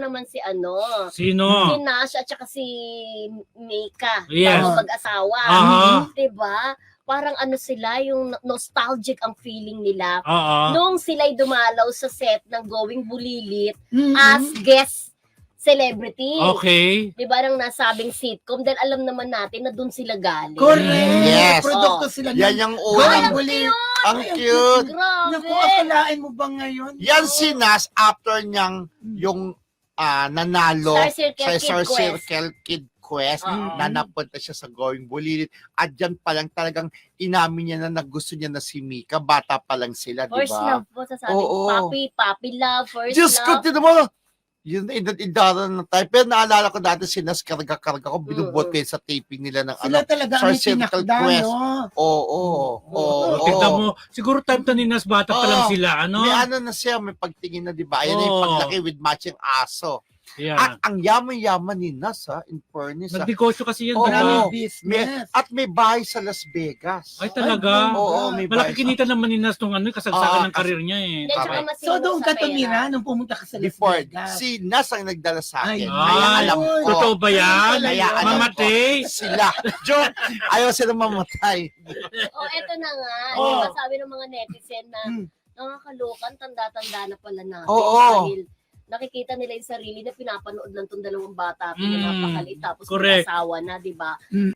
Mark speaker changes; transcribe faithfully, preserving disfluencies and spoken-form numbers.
Speaker 1: naman si ano.
Speaker 2: Sino?
Speaker 1: Si Nash at saka si Mika.
Speaker 2: Yes.
Speaker 1: Bago mag-asawa.
Speaker 2: Aha.
Speaker 1: Diba? Parang ano sila, yung nostalgic ang feeling nila.
Speaker 2: Oo.
Speaker 1: Nung sila'y dumalaw sa set ng Going Bulilit
Speaker 3: Mhm.
Speaker 1: as guest celebrity.
Speaker 2: Okay.
Speaker 1: Di ba nang nasabing sitcom? Dahil alam naman natin na dun sila galing.
Speaker 3: Correct.
Speaker 4: Yes.
Speaker 3: Produkto
Speaker 1: Oh.
Speaker 3: sila
Speaker 4: Yan
Speaker 3: ng
Speaker 4: yung
Speaker 3: Going
Speaker 4: unang,
Speaker 3: Bulilit.
Speaker 4: ang
Speaker 3: Ay,
Speaker 4: cute.
Speaker 1: Grabe.
Speaker 3: Naku, akalain mo ba ngayon?
Speaker 4: Yan si Nas after niyang yung ah, nanalo
Speaker 1: Star Circle
Speaker 4: sa
Speaker 1: Kid
Speaker 4: Star
Speaker 1: Quest.
Speaker 4: Circle Kid Quest
Speaker 1: Oo.
Speaker 4: na napunta siya sa Going Bulilit. At dyan pa lang talagang inamin niya na nagusto niya na si Mika. Bata pa lang sila, di
Speaker 1: First
Speaker 4: ba?
Speaker 1: love po sasabi.
Speaker 4: Oo.
Speaker 1: Papi, papi love, first
Speaker 4: Diyos ko,
Speaker 1: love.
Speaker 4: tinan mo. Yun, idara na tayo. Pero naalala ko dati si Nas, karga-karga ko. Binubot ko yun sa taping nila ng
Speaker 3: Sila
Speaker 4: ano.
Speaker 3: talaga
Speaker 4: Star
Speaker 3: ang
Speaker 4: Circle
Speaker 3: tinakda,
Speaker 4: Quest.
Speaker 3: no?
Speaker 4: Oo, oo, oo.
Speaker 2: Oh, tignan mo, siguro time to ninas bata pa lang
Speaker 4: Oo.
Speaker 2: sila, ano?
Speaker 4: May ano na siya, may pagtingin na, di ba? Ayan na yung
Speaker 2: Oo.
Speaker 4: paglaki with matching aso.
Speaker 2: Yeah.
Speaker 4: At ang yaman-yaman ni Nas, ha, in fairness, ha.
Speaker 2: Nagnegosyo kasi yan,
Speaker 4: Oo.
Speaker 2: di ba?
Speaker 3: Maraming
Speaker 4: May,
Speaker 3: business.
Speaker 4: at may bahay sa Las Vegas.
Speaker 2: Ay, talaga?
Speaker 4: Oo, may
Speaker 2: Malaki
Speaker 4: bahay.
Speaker 2: kinita naman ni Nas nung ano,
Speaker 4: Ah,
Speaker 2: kasagsagan ng karir niya eh.
Speaker 1: Hindi, tsaka
Speaker 4: Correct.
Speaker 1: masinong
Speaker 3: So doon
Speaker 1: sa
Speaker 3: ka
Speaker 1: pera.
Speaker 3: tumira nung pumunta ka sa Las
Speaker 4: Before,
Speaker 3: Vegas.
Speaker 4: si Nas ang nagdala sa akin.
Speaker 3: Ay,
Speaker 4: Kaya
Speaker 2: Ay,
Speaker 4: alam ko.
Speaker 2: totoo ba yan?
Speaker 4: Kaya alam ko.
Speaker 2: Mamatay?
Speaker 4: Sila. Joke. Ayaw sila mamatay.
Speaker 1: Oh, eto na nga.
Speaker 4: Oo.
Speaker 1: Di ba sabi ng mga netizen na
Speaker 3: Hmm.
Speaker 1: nakakalokan, tanda-tanda na pala natin.
Speaker 4: Oo.
Speaker 1: Dahil nakikita nila yung sarili na pinapanood lang tong dalawang bata.
Speaker 2: Mm,
Speaker 1: Pinapakalit tapos
Speaker 2: correct.
Speaker 1: may asawa na, di ba?
Speaker 3: Mm.